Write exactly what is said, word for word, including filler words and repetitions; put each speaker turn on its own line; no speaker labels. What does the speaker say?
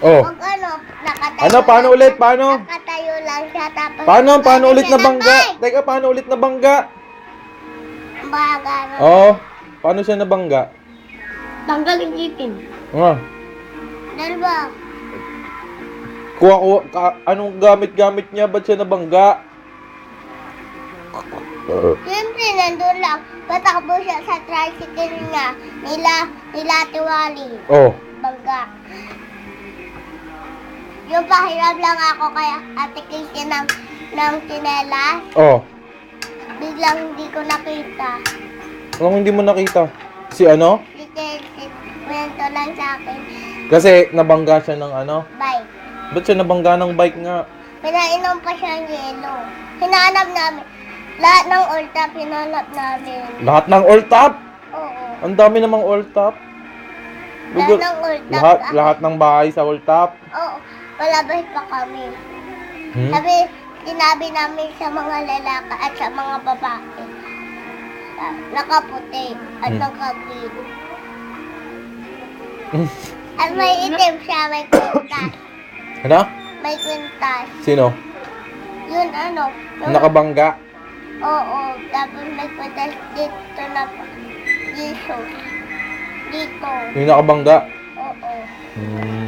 Oh.
Pag ano, nakatayo
Ano, paano
lang
ulit?
siya-
Paano?
Nakatayo lang siya, tapos...
Paano? Paano ulit
siya
na bangga?
ng
Teka, paano ulit na bangga?
bike. Baga, ano.
Oh. Paano siya nabangga?
Tanggal yung chicken.
Ah.
Dalawa.
Kuha ko, ka, anong gamit-gamit niya? Ba't siya nabangga?
Siyempre, nandun lang. Patakbo siya sa tricycle niya. Nila, nila Tiwali.
Oh.
Bangga. Yung pahiram lang ako kaya Ate Casey ng, ng tsinelas.
Oh.
Biglang hindi ko nakita.
Anong hindi mo nakita? Si ano?
Si Casey, kwento lang sa akin.
Kasi nabangga siya ng ano?
Bye.
Ba't siya nabangga ng bike nga?
Pinainom pa siya ng yelo. Hinanap namin. Lahat ng old top, hinanap namin.
Lahat ng all top?
Oo.
Ang dami namang all top.
Lahat
Lugar-
ng old top.
Lahat, lahat ng bahay sa all top.
Oo. Palabas pa kami.
Hmm?
Sabi, sinabi namin sa mga lalaki at sa mga babae. ah, Nakaputi at
Hmm.
nakagreen. At may itim siya, may kwintas.
Ano?
May kwintas.
Sino?
Yun ano. Yung,
Nakabangga.
oo. Tapos may kwintas dito na Jesus. Dito.
Yung nakabangga.
Oo.
Hmm.